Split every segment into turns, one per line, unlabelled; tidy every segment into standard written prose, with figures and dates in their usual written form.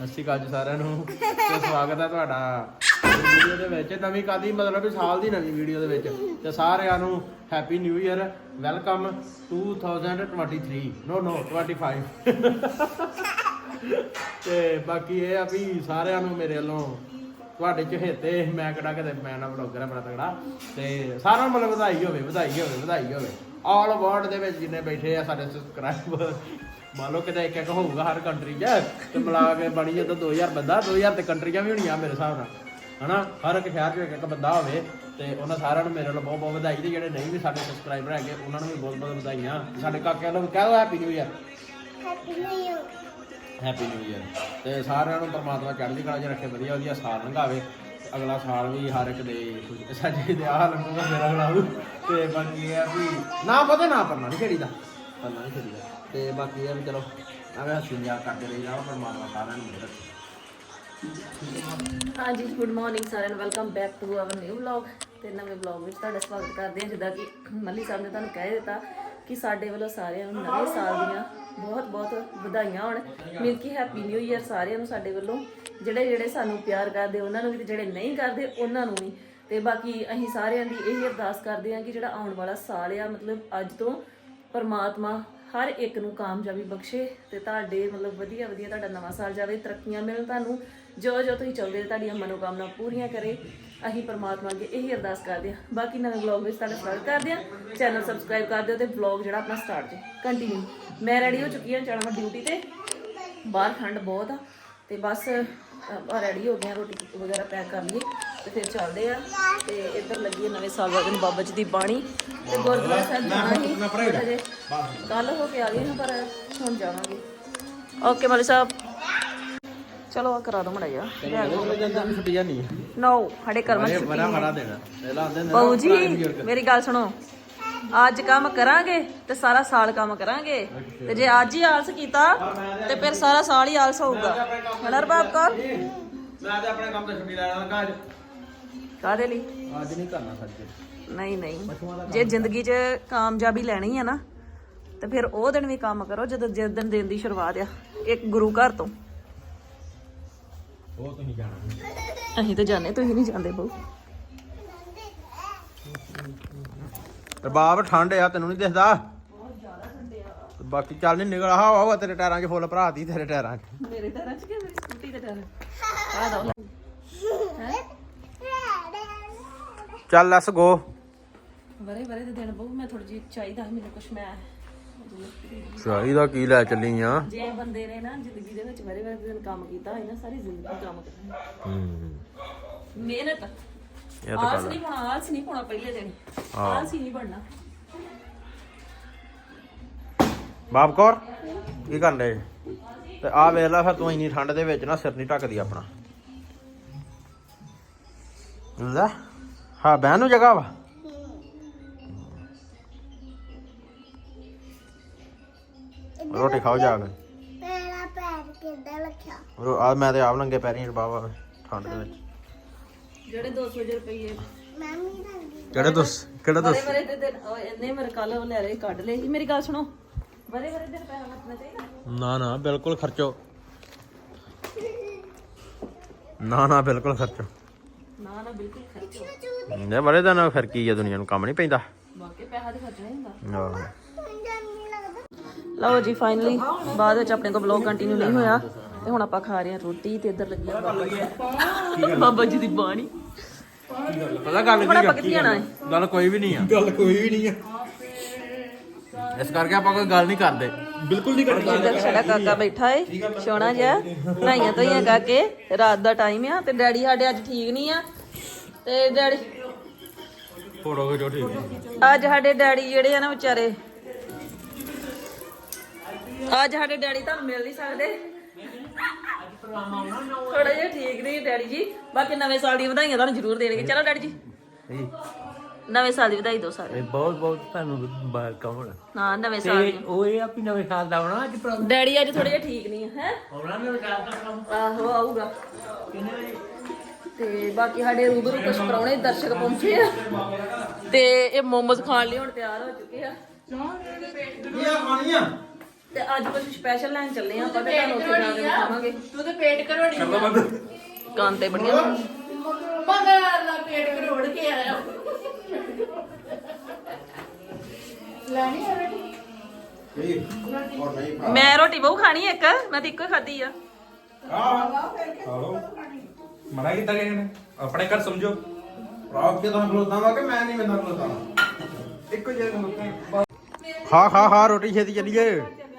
ਸਤਿ ਸ਼੍ਰੀ ਅਕਾਲ ਜੀ ਸਾਰਿਆਂ ਨੂੰ ਤੇ ਸਵਾਗਤ ਹੈ ਤੁਹਾਡਾ ਵੀਡੀਓ ਦੇ ਵਿੱਚ ਨਵੀਂ ਕਾਦੀ ਮਤਲਬ ਕਿ ਸਾਲ ਦੀ ਨਵੀਂ ਵੀਡੀਓ ਦੇ ਵਿੱਚ ਤੇ ਸਾਰਿਆਂ ਨੂੰ ਹੈਪੀ ਨਿਊ ਇਅਰ ਵੈਲਕਮ 2023 ਨੋ 25 ਤੇ ਬਾਕੀ ਇਹ ਆ ਵੀ ਸਾਰਿਆਂ ਨੂੰ ਮੇਰੇ ਵੱਲੋਂ ਤੁਹਾਡੇ ਚਹੇਤੇ ਮੈਂ ਕਿਹੜਾ ਕਿਤੇ ਮੈਂ ਨਾ ਬਲੌਗਰ ਆ ਬੜਾ ਤਗੜਾ ਤੇ ਸਾਰਿਆਂ ਨੂੰ ਮਤਲਬ ਵਧਾਈ ਹੋਵੇ ਆਲ ਵਰਲਡ ਦੇ ਵਿੱਚ ਜਿੰਨੇ ਬੈਠੇ ਆ ਸਾਡੇ ਸਬਸਕ੍ਰਾਈਬਰ ਮੰਨ ਲਓ ਕਿਤੇ ਇੱਕ ਹੋਊਗਾ ਹਰ ਕੰਟਰੀ 'ਚ ਤੇ ਮਿਲਾ ਕੇ ਬਣੀ ਜਾਂਦਾ 2000 ਬੰਦਾ 2000 ਤੇ ਕੰਟਰੀਆਂ ਵੀ ਹੋਣੀਆਂ ਮੇਰੇ ਹਿਸਾਬ ਨਾਲ ਹਨਾ ਹਰ ਇੱਕ ਸ਼ਹਿਰ 'ਚ ਇੱਕ ਬੰਦਾ ਹੋਵੇ ਤੇ ਉਹਨਾਂ ਸਾਰਿਆਂ ਨੂੰ ਮੇਰੇ ਵੱਲੋਂ ਬਹੁਤ ਬਹੁਤ ਵਧਾਈ ਤੇ ਜਿਹੜੇ ਨਹੀਂ ਵੀ ਸਾਡੇ ਸਬਸਕ੍ਰਾਈਬਰ ਹੈਗੇ ਉਹਨਾਂ ਨੂੰ ਵੀ ਬਹੁਤ ਬਹੁਤ ਵਧਾਈਆਂ ਸਾਡੇ ਕਾਕਿਆਂ ਨੂੰ ਵੀ ਕਹਿ ਦਿਓ happy new year happy new year ਤੇ ਸਾਰਿਆਂ ਨੂੰ ਪਰਮਾਤਮਾ ਚੜ੍ਹਦੀ ਕਲਾ 'ਚ ਰੱਖੇ ਵਧੀਆ ਵਧੀਆ ਸਾਲ ਲੰਘਾਵੇ ਅਗਲਾ ਸਾਲ ਵੀ ਹਰ ਇੱਕ ਦੇ ਸਾਡੇ ਦੇ ਆਹ ਲੰਘੂਗਾ ਮੇਰਾ ਅਗਲਾ ਤੇ ਬਾਕੀ ਇਹ ਆ ਵੀ ਨਾ ਪਤਾ ਨਾ ਪਰਨਾ ਨਹੀਂ ਖੇਡੀਦਾ ਪਰਨਾ ਨਹੀਂ ਖੇਡੀਦਾ ਤੇ ਬਾਕੀ ਇਹ ਵੀ ਚਲੋ ਐਵੇਂ ਹੱਸੀ ਮਜ਼ਾਕ ਕਰਦੇ ਰਹੀ ਜਾਓ ਪਰਮਾਤਮਾ ਸਾਰਿਆਂ ਨੂੰ ਮਿਹਰ
हाँ जी गुड मॉर्निंग सारे welcome back to our new vlog ਤੇ ਨਵੇਂ ਵਲੌਗ ਵਿੱਚ ਤੁਹਾਡਾ ਸਵਾਗਤ ਕਰਦੇ ਹਾਂ ਜਿੱਦਾਂ ਕਿ ਮੱਲੀ ਸਾਹਿਬ ਨੇ ਤੁਹਾਨੂੰ ਕਹਿ ਦਿੱਤਾ ਕਿ ਸਾਡੇ ਵੱਲੋਂ ਸਾਰਿਆਂ ਨੂੰ ਨਵੇਂ ਸਾਲ ਦੀਆਂ ਬਹੁਤ ਬਹੁਤ ਵਧਾਈਆਂ ਹੋਣ ਮਿਲ ਕੇ ਹੈਪੀ ਨਿਊ ਈਅਰ ਸਾਰਿਆਂ ਨੂੰ ਸਾਡੇ ਵੱਲੋਂ ਜਿਹੜੇ ਸਾਨੂੰ ਪਿਆਰ ਕਰਦੇ ਉਹਨਾਂ ਨੂੰ ਵੀ ਤੇ ਜਿਹੜੇ ਨਹੀਂ ਕਰਦੇ ਉਹਨਾਂ ਨੂੰ ਵੀ ਤੇ ਬਾਕੀ ਅਸੀਂ ਸਾਰਿਆਂ ਦੀ ਇਹ ਅਰਦਾਸ ਕਰਦੇ ਹਾਂ ਕਿ ਜਿਹੜਾ ਆਉਣ ਵਾਲਾ ਸਾਲ ਆ ਮਤਲਬ ਅੱਜ ਤੋਂ ਪਰਮਾਤਮਾ ਹਰ ਇੱਕ ਨੂੰ ਕਾਮਯਾਬੀ ਬਖਸ਼ੇ ਤੇ ਤੁਹਾਡੇ ਮਤਲਬ ਵਧੀਆ ਵਧੀਆ ਤੁਹਾਡਾ ਨਵਾਂ ਸਾਲ ਜਾਵੇ ਤਰੱਕੀਆਂ ਮਿਲਣ ਤੁਹਾਨੂੰ ਜੋ ਤੁਸੀਂ ਚਾਹੁੰਦੇ ਤੁਹਾਡੀਆਂ ਮਨੋਕਾਮਨਾ ਪੂਰੀਆਂ ਕਰੇ ਅਸੀਂ ਪਰਮਾਤਮਾ ਅੱਗੇ ਇਹੀ ਅਰਦਾਸ ਕਰਦੇ ਹਾਂ ਬਾਕੀ ਨਵੇਂ ਵਲੌਗ ਵਿੱਚ ਤੁਹਾਡਾ ਸਵਾਗਤ ਕਰਦੇ ਹਾਂ ਚੈਨਲ ਸਬਸਕ੍ਰਾਈਬ ਕਰ ਦਿਓ ਤੇ ਵਲੌਗ ਜਿਹੜਾ ਆਪਣਾ ਸਟਾਰਟ ਜੇ ਕੰਟੀਨਿਊ ਮੈਂ ਰੈਡੀ ਹੋ ਚੁੱਕੀ ਹਾਂ ਜਾਣਾ ਮੈਂ ਡਿਊਟੀ ਤੇ ਬਾਹਰ ਠੰਡ ਬਹੁਤ ਆ ਤੇ ਬਸ ਆਪਾਂ ਰੈਡੀ ਹੋ ਗਏ ਹਾਂ ਰੋਟੀ ਵਗੈਰਾ ਪੈਕ ਕਰ ਲਈਏ ਤੇ ਫਿਰ ਚੱਲਦੇ ਆ ਤੇ ਇੱਧਰ ਲੱਗੀ ਹੈ ਨਵੇਂ ਸਾਲ ਵਾਲੇ ਦਿਨ ਬਾਬਾ ਜੀ ਦੀ ਬਾਣੀ ਤੇ ਗੁਰਦੁਆਰਾ ਸਾਹਿਬ ਜਾਣਾ ਸੀ ਕੱਲ ਹੋ ਕੇ ਆ ਗਏ ਹਾਂ ਪਰ ਹੁਣ ਜਾਵਾਂਗੇ ਓਕੇ ਮਾਲੀ ਸਾਹਿਬ ਚਲੋ ਆ ਕਰਾ ਦੋ ਮੜਾ ਜਾ
ਛੁੱਟੀਆਂ ਨਹੀਂ
ਨੋ ਸਾਡੇ ਕਰਮਾਂ ਚ
ਮਰਾ ਦੇਣਾ
ਬਾਊ ਜੀ ਮੇਰੀ ਗੱਲ ਸੁਣੋ ਅੱਜ ਕੰਮ ਕਰਾਂਗੇ ਤੇ ਸਾਰਾ ਸਾਲ ਕੰਮ ਕਰਾਂਗੇ ਤੇ ਜੇ ਅੱਜ ਹੀ ਆਲਸ ਕੀਤਾ ਤੇ ਫਿਰ ਸਾਰਾ ਸਾਲ ਹੀ ਆਲਸ ਹੋਊਗਾ ਹਨਰ ਬਾਪ ਕੌਰ
ਮੈਂ ਤੇ ਆਪਣੇ ਕੰਮ ਤੇ ਛੁੱਟੀ ਲੈਣਾ ਲੱਗਾ ਅੱਜ
ਕਾਹਦੇ ਲਈ
ਅੱਜ ਨਹੀਂ ਕਰਨਾ ਸੱਚ
ਨਹੀਂ ਜੇ ਜ਼ਿੰਦਗੀ 'ਚ ਕਾਮਯਾਬੀ ਲੈਣੀ ਆ ਨਾ ਤੇ ਫਿਰ ਉਹ ਦਿਨ ਵੀ ਕੰਮ ਕਰੋ ਜਦੋਂ ਜਿਸ ਦਿਨ ਦੀ ਸ਼ੁਰੂਆਤ ਆ ਇੱਕ ਗੁਰੂ ਘਰ ਤੋਂ
ਉਹ ਤੁਸੀਂ ਜਾਣਾ
ਅਸੀਂ ਤਾਂ ਜਾਣੇ ਤੁਸੀਂ ਨਹੀਂ ਜਾਂਦੇ ਬਹੁ
ਰਬਾਬ ਠੰਡ ਆ ਤੈਨੂੰ ਨਹੀਂ ਦਿਖਦਾ
ਬਹੁਤ ਜ਼ਿਆਦਾ ਠੰਡੇ ਆ
ਬਾਕੀ ਚੱਲ ਨਹੀਂ ਨਿਕਲ ਹਵਾ ਤੇਰੇ ਟਾਇਰਾਂ 'ਚ ਫੁੱਲ ਭਰਾਤੀ ਤੇਰੇ ਟਾਇਰਾਂ 'ਚ
ਮੇਰੇ ਟਾਇਰਾਂ 'ਚ ਕਿ ਮੇਰੀ ਸਕੂਟੀ ਦੇ ਟਾਇਰ ਆ ਦੋ ਹੈ
ਚੱਲ ਲੈਟਸ ਗੋ
ਬਰੇ ਦੇ ਦਿਨ ਬਹੁ ਮੈਂ ਥੋੜੀ ਜਿਹੀ ਚਾਹੀਦਾ ਮੈਨੂੰ ਕੁਛ ਮੈਂ
ਚਾਹੀਦਾ ਕੀ ਲੈ ਚੱਲੀ ਆ
ਜੇ ਬੰਦੇ ਨੇ ਨਾ ਜ਼ਿੰਦਗੀ ਦੇ ਵਿੱਚ ਬਰੇ ਦੇ ਦਿਨ ਕੰਮ ਕੀਤਾ ਹੋਏ ਨਾ ਸਾਰੀ ਜ਼ਿੰਦਗੀ ਕੰਮ ਕਰਨਾ ਮਿਹਨਤ ਆਲਸ ਨਹੀਂ ਪਾਉਣਾ ਪਹਿਲੇ ਦਿਨ ਆਲਸ ਹੀ ਨਹੀਂ ਬਣਨਾ
ਬਾਪ ਕੌਰ ਕੀ ਕਰਨ ਦੇ ਤੇ ਆ ਵੇਖ ਲੈ ਫਿਰ ਤੂੰ ਇੰਨੀ ਠੰਡ ਦੇ ਵਿੱਚ ਨਾ ਸਿਰ ਨਹੀਂ ਢੱਕਦੀ ਆਪਣਾ ਲੈ ਹਾਂ ਬਹਿਣ ਨੂੰ ਜਗ੍ਹਾ ਵਾ ਰੋਟੀ ਖਾਓ ਜਾ ਕੇ
ਮੇਰਾ ਪੈਰ ਕਿੱਦਾਂ ਰੱਖਿਆ
ਆ ਮੈਂ ਤੇ ਆਪ ਨੰਗੇ ਪੈਰੀਂ ਬਾਬਾ ਠੰਡ ਦੇ ਵਿੱਚ
ਜਿਹੜੇ 200 ਰੁਪਏ
ਮੰਮੀ ਰੰਗੀ
ਕਿਹੜਾ
ਬਰੇ ਦੇ ਦਿਨ ਇੰਨੇ ਮੇਰੇ ਕੱਲ ਲੈ ਰਹੇ ਕੱਢ ਲਏ ਸੀ ਮੇਰੀ ਗੱਲ ਸੁਣੋ ਬਰੇ ਦਿਨ ਪੈਸਾ ਵਰਤਣਾ ਚਾਹੀਦਾ
ਨਾ ਬਿਲਕੁਲ ਖਰਚੋ ਨਾ ਬਿਲਕੁਲ ਖਰਚੋ
ਨਾ ਬਿਲਕੁਲ ਖਰਚੋ
ਨੇ ਬੜੇ ਦਿਨ ਫਿਰ ਕੀ ਆ ਦੁਨੀਆ ਨੂੰ ਕੰਮ ਨਹੀਂ ਪੈਂਦਾ
ਬਾਕੀ ਪੈਸਾ ਤੇ ਖਰਚਣਾ ਹੁੰਦਾ
ਆਹੋ
ਲਓ ਜੀ ਫਾਈਨਲੀ ਬਾਅਦ ਵਿੱਚ ਆਪਣੇ ਕੋਲ ਵਲੌਗ ਕੰਟੀਨਿਊ ਨਹੀਂ ਹੋਇਆ ਤੇ ਹੁਣ ਆਪਾਂ ਖਾ ਰਹੇ ਹਾਂ ਰੋਟੀ ਤੇ ਇੱਧਰ ਲੱਗੀ ਆ ਬਾਬਾ ਜੀ ਦੀ ਬਾਣੀ
ਪਤਾ ਗੱਲ
ਹੁਣ ਆਪਾਂ ਕਿੱਥੇ ਜਾਣਾ ਹੈ
ਗੱਲ ਕੋਈ ਵੀ ਨਹੀਂ ਆ ਇਸ ਕਰਕੇ ਆਪਾਂ ਕੋਈ ਗੱਲ ਨਹੀਂ ਕਰਦੇ ਬਿਲਕੁਲ ਨਹੀਂ ਕਰਦੇ
ਇੱਧਰ ਸਾਡਾ ਕਾਕਾ ਬੈਠਾ ਏ ਸੋਹਣਾ ਜਿਹਾ ਨਹਾਈਆਂ ਧੋਈਆਂ ਕਰਕੇ ਰਾਤ ਦਾ ਟਾਈਮ ਆ ਤੇ ਡੈਡੀ ਸਾਡੇ ਅੱਜ ਠੀਕ ਨਹੀਂ ਆ ਤੇ ਡੈਡੀ
ਫੋਟੋ ਖਿਚੋ ਠੀਕ
ਅੱਜ ਸਾਡੇ ਡੈਡੀ ਜਿਹੜੇ ਆ ਨਾ ਵਿਚਾਰੇ ਅੱਜ ਸਾਡੇ ਡੈਡੀ ਤੁਹਾਨੂੰ ਮਿਲ ਨਹੀਂ ਸਕਦੇ ਥੋੜਾ ਜਿਹਾ ਠੀਕ ਨਹੀਂ ਡੈਡੀ ਜੀ ਬਾਕੀ ਨਵੇਂ ਸਾਲ ਦੀ ਵਧਾਈਆਂ ਤੁਹਾਨੂੰ ਜ਼ਰੂਰ ਦੇਣਗੇ ਚਲੋ ਡੈਡੀ ਜੀ ਨਵੇਂ ਸਾਲ ਦੀ ਵਧਾਈ ਦਿਓ ਸਾਰੇ
ਬਹੁਤ ਤੁਹਾਨੂੰ ਵੈਲਕਮ ਹੋਣਾ
ਹਾਂ ਨਵੇਂ ਸਾਲ ਦੀ
ਉਹ ਇਹ ਆ ਵੀ ਨਵੇਂ ਸਾਲ ਦਾ ਆਉਣਾ ਅੱਜ
ਡੈਡੀ ਅੱਜ ਥੋੜਾ ਜਿਹਾ ਠੀਕ ਨਹੀਂ ਹੈ
ਆਉਣਾ ਨਵੇਂ ਸਾਲ ਦਾ
ਆਹੋ ਆਊਗਾ ਤੇ ਬਾਕੀ ਸਾਡੇ ਰੂਬਰੂ ਕੁਝ ਪ੍ਰਾਹੁਣੇ ਦਰਸ਼ਕ ਪਹੁੰਚੇ ਆ ਤੇ ਇਹ ਮੋਮੋਜ਼ ਖਾਣ ਲਈ ਹੁਣ ਤਿਆਰ ਹੋ ਚੁੱਕੇ ਆ
ਕੀ ਖਾਣੀਆਂ
ਤੇ ਅੱਜ ਕੁਝ ਸਪੈਸ਼ਲ ਲੈਣ ਚੱਲੇ ਆ ਆਪਾਂ ਤੇ ਤੁਹਾਨੂੰ ਉੱਥੇ ਜਾ ਕੇ ਦਿਖਾਵਾਂਗੇ।
ਤੂੰ ਤੇ ਪੇਟ ਕਰੋੜੀ ਕਰ ਲੋ
ਕਾਂ ਤੇ ਬੜੀਆਂ
ਮਗਰ ਦਾ ਪੇਟ ਕਰੋੜ ਕੇ ਆਇਆ ਲੈਣੀ ਹੈ ਬੇਟੀ
ਇਹ ਔਰ ਨਹੀਂ
ਮੈਂ ਰੋਟੀ ਬਹੁ ਖਾਣੀ ਇੱਕ, ਮੈਂ ਤੇ ਇੱਕੋ ਹੀ ਖਾਧੀ ਆ।
ਆਹੋ ਮਨਾ ਕੀਤਾ ਕਿਸੇ ਨੇ ਆਪਣੇ ਘਰ ਸਮਝੋ
ਰਾਤ ਕੇ ਤਾਂ ਖਲੋਤਾ ਵਾ ਕਿ ਮੈਂ ਨਹੀਂ ਮੈਨਾਂ ਖਲੋਤਾ
ਇੱਕੋ ਜਿਹਾ ਖਲੋਤੇ
ਖਾ ਖਾ ਖਾ ਰੋਟੀ ਛੇਤੀ ਚੱਲੀਏ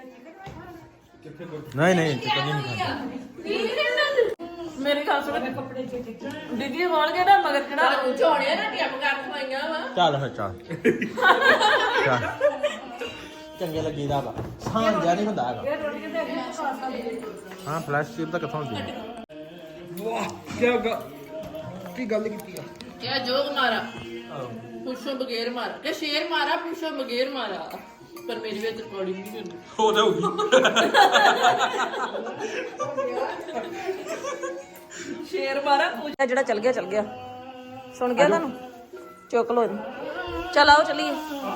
ਨਹੀਂ ਨਹੀਂ ਤੇ ਕਦੀ ਨਹੀਂ ਖਾਂਦਾ
ਮੇਰੇ ਖਾਸ ਵਾਲੇ ਕੱਪੜੇ ਦੀਦੀ ਹੋਣ ਕੇ ਨਾ ਮਗਰ ਕਿਹੜਾ
ਝੋਣਿਆ ਨਾ ਟਿਪ ਕਰ ਖਵਾਈਆਂ ਵਾ
ਚੱਲ ਫਿਰ ਚੱਲ ਚੱਲ ਚੰਗੇ ਲੱਗੀਦਾ ਵਾ ਸਾਂ ਜਾ ਨਹੀਂ ਹੁੰਦਾ ਹੈਗਾ ਹਾਂ ਫਲੈਸ਼ ਚਿਪ ਤਾਂ ਕਿੱਥੋਂ ਹੁੰਦੀ ਹੈ
ਵਾਹ ਕੀ ਗੱਲ ਕੀਤੀ ਆ
ਕਿਆ ਜੋਗ ਮਾਰਾ ਪੁੱਛੋ ਬਗੈਰ ਮਾਰਾ ਕਿ ਸ਼ੇਰ ਮਾਰਾ ਪੁੱਛੋ ਬਗੈਰ ਮਾਰਾ ਪਰ ਮੇਰੀ ਵਿੱਚ ਰਿਕਾਰਡਿੰਗ ਨਹੀਂ ਹੁੰਦੀ
ਹੋ ਜਾਊਗੀ
ਸ਼ੇਰ ਮਾਰਾ ਪੂਜਾ ਜਿਹੜਾ ਚੱਲ ਗਿਆ ਸੁਣ ਗਿਆ ਤੁਹਾਨੂੰ ਚੁੱਕ ਲੋ ਇਹਨੂੰ ਚਲ ਆਓ ਚਲੀਏ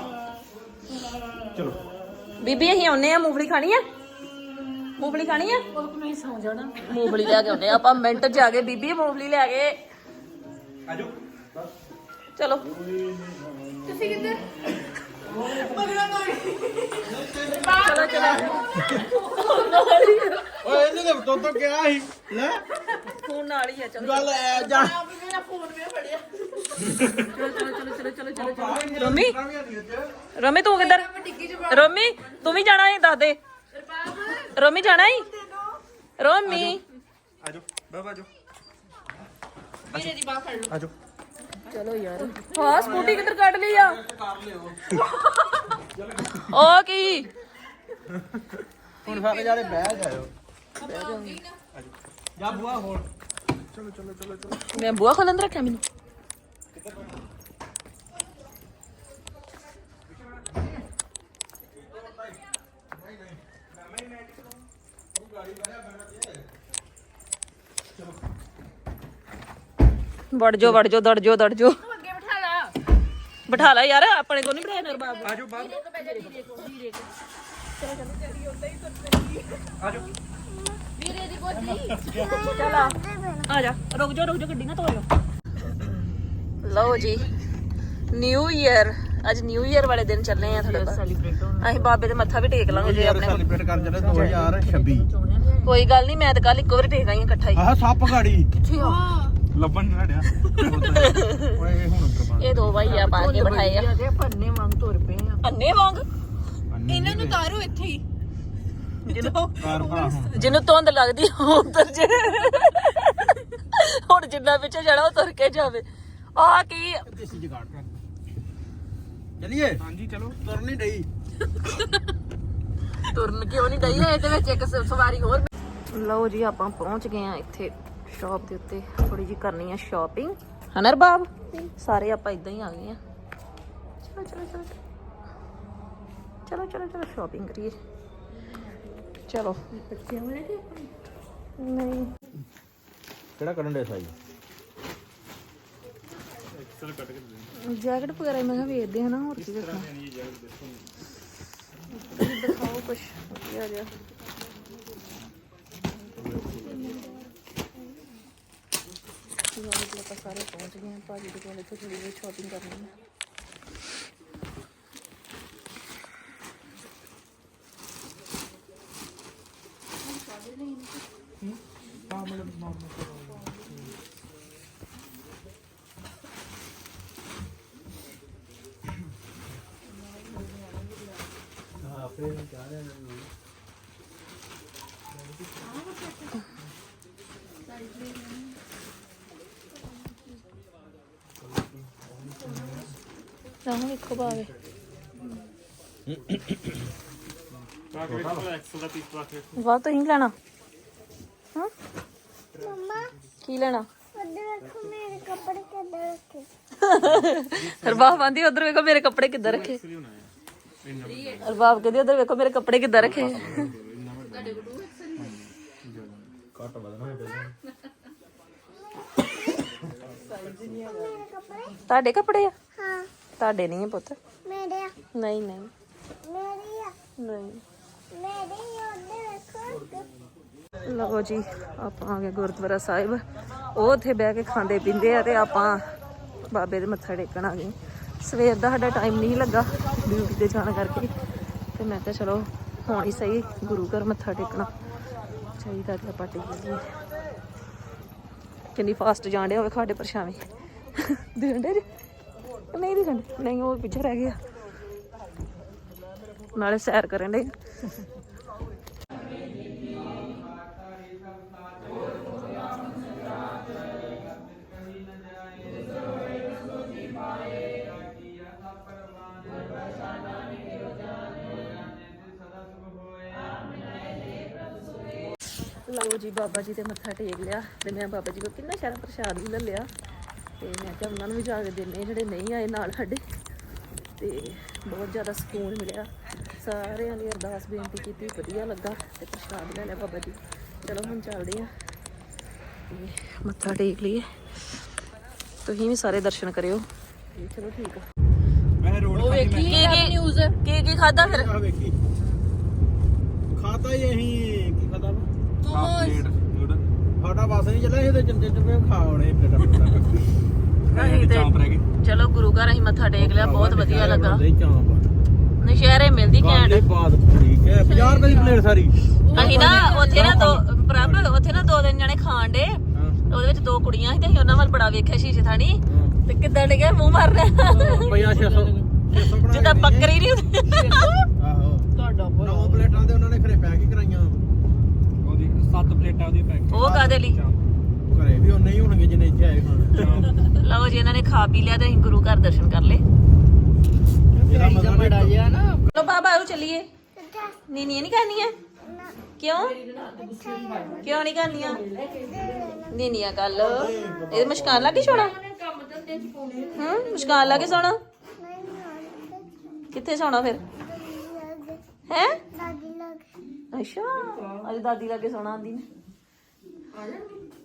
ਚਲੋ
ਬੀਬੀ ਅਸੀਂ ਆਉਨੇ ਆ ਮੂੰਗਫਲੀ ਖਾਣੀ ਆ ਮੂੰਗਫਲੀ ਖਾਣੀ ਆ ਉਹ ਨਹੀਂ ਸੌ ਜਾਣਾ ਮੂੰਗਫਲੀ ਲੈ ਕੇ ਆਉਨੇ ਆ ਆਪਾਂ ਮਿੰਟ ਚ ਆ ਗਏ ਬੀਬੀ ਮੂੰਗਫਲੀ ਲੈ ਕੇ
ਆਜੋ
ਚਲੋ
ਤੁਸੀਂ ਕਿੱਧਰ
ਚਲੋ ਚਲੋ
ਓਏ ਇਹਨੇ ਤਾਂ ਤੋਤੋ ਕਿਹਾ ਸੀ ਲੈ
ਫੋਨ ਨਾਲ ਹੀ ਆ ਚਲੋ
ਗੱਲ ਐ ਜਾ
ਮੇਰਾ ਫੋਨ ਵੀ ਫੜਿਆ
ਚਲੋ ਰੋਮੀ ਰੋਮੀ ਤੂੰ ਕਿੱਧਰ ਰੋਮੀ ਤੂੰ ਵੀ ਜਾਣਾ ਹੈ ਦੱਸ ਦੇ ਰੋਮੀ ਜਾਣਾ ਹੈ ਰੋਮੀ
ਆਜੋ ਬਾਬਾ ਆਜੋ
ਮੇਰੇ ਦੀ ਬਾਹ ਫੜ ਲਓ
ਆਜੋ
ਚਲੋ ਯਾਰ ਹਾਂ ਸਕੂਟੀ ਕਿੱਧਰ ਕੱਢ ਲਈ ਆ ਉਹ ਕੀ
ਹੁਣ ਸਾਰੇ ਜਾਣੇ ਬਹਿ ਜਾਇਓ ਜਾ ਬੁਆ ਹੋਰ
ਮੈਂ ਬੂਆ ਖੋਲਣ ਤੇ ਰੱਖਿਆ ਮੈਨੂੰ ਵੜ ਜੋ ਦੜ ਜੋ
ਅੱਗੇ ਬਿਠਾ ਲਾ
ਬਿਠਾ ਲੈ ਯਾਰ ਆਪਣੇ ਕੋਲ ਨਹੀਂ ਬਿਠਾਇਆ ਨਰਬਾਬ
ਆਜੋ ਬਾਹਰ ਆਜੋ
ਵੀਰੇ ਦੀ ਗੋਦੀ
ਚਲ ਆ ਜਾ ਰੁਕ ਜਾ ਗੱਡੀ ਨਾ ਤੋੜੋ ਲਓ ਜੀ ਨਿਊ ਈਅਰ ਅੱਜ ਨਿਊ ਈਅਰ ਵਾਲੇ ਦਿਨ ਚੱਲੇ ਆ ਥੋੜੇ ਅਸੀਂ ਬਾਬੇ ਦੇ ਮੱਥਾ ਵੀ ਟੇਕ ਲਾਂਗੇ ਜੇ ਆਪਣੇ
ਸੈਲੀਬ੍ਰੇਟ ਕਰ ਜਲੇ 2026
ਕੋਈ ਗੱਲ ਨਹੀਂ ਮੈਂ ਤਾਂ ਕੱਲ ਇੱਕੋ ਵਾਰੀ ਟੇਕ ਆਈ ਇਕੱਠਾ ਹੀ
ਆਹ ਸੱਪ ਗਾੜੀ
ਲੱਭਣ ਨਹੀਂ ਹੜਿਆ
ਓਏ ਇਹ ਹੁਣ ਉੱਧਰ
ਇਹ ਦੋ ਭਾਈ ਆ ਪਾ ਕੇ ਬਿਠਾਏ ਆ
ਪੰਨੇ ਵਾਂਗ ਤੁਰ ਪਏ ਆ
ਅੰਨੇ ਵਾਂਗ
ਇਹਨਾਂ ਨੂੰ ਤਾਰੋ ਇੱਥੇ ਹੀ
ਕਾਰ ਭਰਾ ਹੁਣ
ਜਿਹਨੂੰ ਧੁੰਦ ਲੱਗਦੀ ਉਧਰ ਜੇ ਹੁਣ ਜਿੰਨਾ ਪਿੱਛੇ ਜਾਣਾ ਉਹ ਤੁਰ ਕੇ ਜਾਵੇ ਆ ਕੀ
ਦੇਸੀ ਜਗਾੜ ਕਰ ਚਲਿਏ
ਹਾਂਜੀ ਚਲੋ
ਤੁਰ ਨਹੀਂ ਡਈ
ਤੁਰਨ ਕਿਉਂ ਨਹੀਂ ਗਈ ਇਹਦੇ ਵਿੱਚ ਇੱਕ ਸਵਾਰੀ ਹੋਰ ਲਓ ਜੀ ਆਪਾਂ ਪਹੁੰਚ ਗਏ ਆ ਇੱਥੇ ਸ਼ਾਪ ਦੇ ਉੱਤੇ ਥੋੜੀ ਜੀ ਕਰਨੀ ਆ ਸ਼ਾਪਿੰਗ ਹਨਰ ਬਾਬ ਸਾਰੇ ਆਪਾਂ ਇਦਾਂ ਹੀ ਆ ਗਏ ਆ ਚਲੋ ਸ਼ਾਪਿੰਗ ਕਰੀਏ ਚਲੋ ਨਹੀਂ
ਕਿਹੜਾ ਕੱਢਣ ਦੇ ਸਾਈ
ਜੈਕਟ ਵਗੈਰਾ ਮੈਂ ਕਿਹਾ ਵੇਚਦੇ ਹਨਾ ਹੋਰ ਕੀ ਵੇਖਣਾ ਦਿਖਾਓ ਕੁਛ ਵਧੀਆ ਜਿਹਾ ਆਪਾਂ ਸਾਰੇ ਪਹੁੰਚ ਗਏ ਆ ਭਾਜੀ ਦੇ ਕੋਲ ਇੱਥੇ ਥੋੜੀ ਜਿਹੀ ਸ਼ਾਪਿੰਗ ਕਰਨੀ ਹੈ ਤਾਂ ਇੱਕੋ ਭਾਵੇਂ ਵਾਹ ਤੁਸੀਂ ਲੈਣਾ ਹਾਂ
ਮੰਮਾ
ਕੀ ਲੈਣਾ
ਉੱਧਰ ਦੇਖੋ ਮੇਰੇ ਕੱਪੜੇ ਕਿੱਦਾਂ ਰੱਖੇ
ਰਬਾਬ ਆਂਦੀ ਉਧਰ ਵੇਖੋ ਮੇਰੇ ਕੱਪੜੇ ਕਿੱਦਾਂ ਰੱਖੇ ਰਬਾਬ ਕਹਿੰਦੀ ਉਧਰ ਵੇਖੋ ਮੇਰੇ ਕੱਪੜੇ ਕਿੱਦਾਂ ਰੱਖੇ
ਘੱਟ ਵਧਣਾ
ਤੁਹਾਡੇ ਕੱਪੜੇ ਆ
ਹਾਂ
ਤੁਹਾਡੇ ਨਹੀਂ ਆ ਪੁੱਤ
ਮੇਰੇ ਆ
ਨਹੀਂ
ਮੇਰੀ ਆ
ਨਹੀਂ
ਮੇਰੇ ਉਹਦੇ ਵੇਖੋ
ਲਓ ਜੀ ਆਪਾਂ ਆ ਗਏ ਗੁਰਦੁਆਰਾ ਸਾਹਿਬ। ਉਹ ਉੱਥੇ ਬਹਿ ਕੇ ਖਾਂਦੇ ਪੀਂਦੇ ਆ ਤੇ ਆਪਾਂ ਬਾਬੇ ਦੇ ਮੱਥਾ ਟੇਕਣ ਆ ਗਏ। ਸਵੇਰ ਦਾ ਸਾਡਾ ਟਾਈਮ ਨਹੀਂ ਲੱਗਾ ਡਿਊਟੀ ਤੇ ਜਾਣ ਕਰਕੇ, ਤੇ ਮੈਂ ਕਿਹਾ ਚਲੋ ਹੁਣ ਹੀ ਸਹੀ ਗੁਰੂ ਘਰ ਮੱਥਾ ਟੇਕਣਾ ਚਾਹੀਦਾ ਤੇ ਆਪਾਂ ਟੇਕ ਲਈਏ। ਕਿੰਨੀ ਫਾਸਟ ਜਾਣ ਡਿਆ ਹੋਵੇ ਸਾਡੇ ਪਰਛਾਵੇਂ ਦਿਖਣ ਜੀ ਨਹੀਂ ਦਿਖਣ ਨਹੀਂ, ਉਹ ਪਿੱਛੇ ਰਹਿ ਗਿਆ। ਨਾਲੇ ਸੈਰ ਕਰਨ ਡੇ। ਲਓ ਜੀ ਬਾਬਾ ਜੀ ਤੇ ਮੱਥਾ ਟੇਕ ਲਿਆ ਤੇ ਮੈਂ ਬਾਬਾ ਜੀ ਕੋਲ ਕਿੰਨਾ ਸਾਰਾ ਪ੍ਰਸ਼ਾਦ ਵੀ ਲੈ ਲਿਆ ਤੇ ਮੈਂ ਕਿਹਾ ਉਹਨਾਂ ਨੂੰ ਵੀ ਜਾ ਕੇ ਦਿੰਨੇ ਜਿਹੜੇ ਨਹੀਂ ਆਏ ਨਾਲ ਸਾਡੇ। ਤੇ ਬਹੁਤ ਜ਼ਿਆਦਾ ਸਕੂਨ ਮਿਲਿਆ, ਸਾਰਿਆਂ ਨੇ ਅਰਦਾਸ ਬੇਨਤੀ ਕੀਤੀ, ਵਧੀਆ ਲੱਗਾ ਤੇ ਪ੍ਰਸ਼ਾਦ ਲੈ ਲਿਆ ਬਾਬਾ ਜੀ। ਚਲੋ ਹੁਣ ਚੱਲਦੇ ਆ ਤੇ ਮੱਥਾ ਟੇਕ ਲਈਏ। ਤੁਸੀਂ ਵੀ ਸਾਰੇ ਦਰਸ਼ਨ ਕਰਿਓ। ਚਲੋ ਠੀਕ ਆ।
ਮੈਂ ਰੋਡ ਖਾਦੀ ਮੈਂ
ਨਿਊਜ਼ ਕੀ ਖਾਦਾ ਫਿਰ?
ਆ ਵੇਖੀ ਖਾਤਾ ਹੀ ਅਸੀਂ ਕੀ ਖਾਦਾ
ਪਲੇਟ ਨੂਡਲ
ਸਾਡਾ ਬਸ ਨਹੀਂ ਚੱਲਿਆ, ਇਹਦੇ ਚੰਦੇ ਚੰਦੇ ਖਾਉਣੇ ਪਲੇਟਾਂ
ਅਸੀਂ ਤੇ
ਚਾਂਪ ਰਹਿ ਗਈ।
ਚਲੋ ਗੁਰੂ ਘਰ ਅਸੀਂ ਮੱਥਾ ਟੇਕ ਲਿਆ, ਬਹੁਤ ਵਧੀਆ ਲੱਗਾ।
ਚਾਂਪ
ਨਸ਼ਹਿਰੇ ਮਿਲਦੀ ਘੈਂਟ।
ਬਾਤ ਠੀਕ ਹੈ 50 ਰੁਪਏ ਦੀ ਪਲੇਟ ਸਾਰੀ।
ਅਸੀਂ ਨਾ ਉੱਥੇ ਨਾ ਦੋ ਪ੍ਰਭ ਉੱਥੇ ਨਾ 2 ਦਿਨ ਜਣੇ ਖਾਣ ਦੇ, ਉਹਦੇ ਵਿੱਚ 2 ਕੁੜੀਆਂ ਸੀ ਤੇ ਅਸੀਂ ਉਹਨਾਂ ਵੱਲ ਬੜਾ ਵੇਖਿਆ ਸ਼ੀਸ਼ੇ ਥਾਣੀ ਤੇ ਕਿੱਦਾਂ ਡਿੱਗੇ ਮੂੰਹ ਮਾਰ ਰਿਹਾ
ਰੁਪਈਆ 600
ਜਿੱਦਾਂ ਬੱਕਰੀ ਨਹੀਂ ਹੁੰਦੀ।
ਆਹੋ ਤੁਹਾਡਾ 9 ਪਲੇਟਾਂ ਦੇ ਉਹਨਾਂ ਨੇ ਘਰੇ ਪੈਕ ਹੀ ਕਰਾਈਆਂ।
ਉਹਦੀ 7 ਪਲੇਟਾਂ ਉਹਦੀ ਪੈਕ।
ਉਹ ਕਾਹਦੇ ਲਈ?
ਘਰੇ ਵੀ ਉਹਨੇ ਹੀ ਹੋਣਗੇ ਜਿੰਨੇ ਇੱਥੇ ਆਏ ਖਾਣ।
ਲਓ ਜੀ ਇਹਨਾਂ ਨੇ ਖਾ ਪੀ ਲਿਆ ਤੇ ਅਸੀਂ ਗੁਰੂ ਘਰ ਦਰਸ਼ਨ ਕਰ ਲਏ।
ਇਹਦਾ ਮਜ਼ਾ ਬੜਾ ਜਿਆ ਨਾ।
ਲੋ ਬਾਬਾ ਆਓ ਚੱਲੀਏ। ਨੀ ਨਹੀਂ ਕਰਨੀ ਹੈ ਕਿਉਂ? ਕਿਉਂ ਨਹੀਂ ਕਰਨੀਆਂ? ਨੀਨੀਆਂ ਕਰ ਲੋ। ਇਹ ਮੁਸ਼ਕਾਨ ਲਾ ਕੇ ਸੋਣਾ? ਮੁਸ਼ਕਾਨ ਲਾ ਕੇ ਸੋਣਾ? ਕਿੱਥੇ ਸੋਣਾ ਫਿਰ? ਹੈ
ਦਾਦੀ ਲੱਗ
ਅੱਛਾ ਅੱਜ ਦਾਦੀ ਲਾਗੇ ਸੋਣਾ ਆਂਦੀ ਨੇ।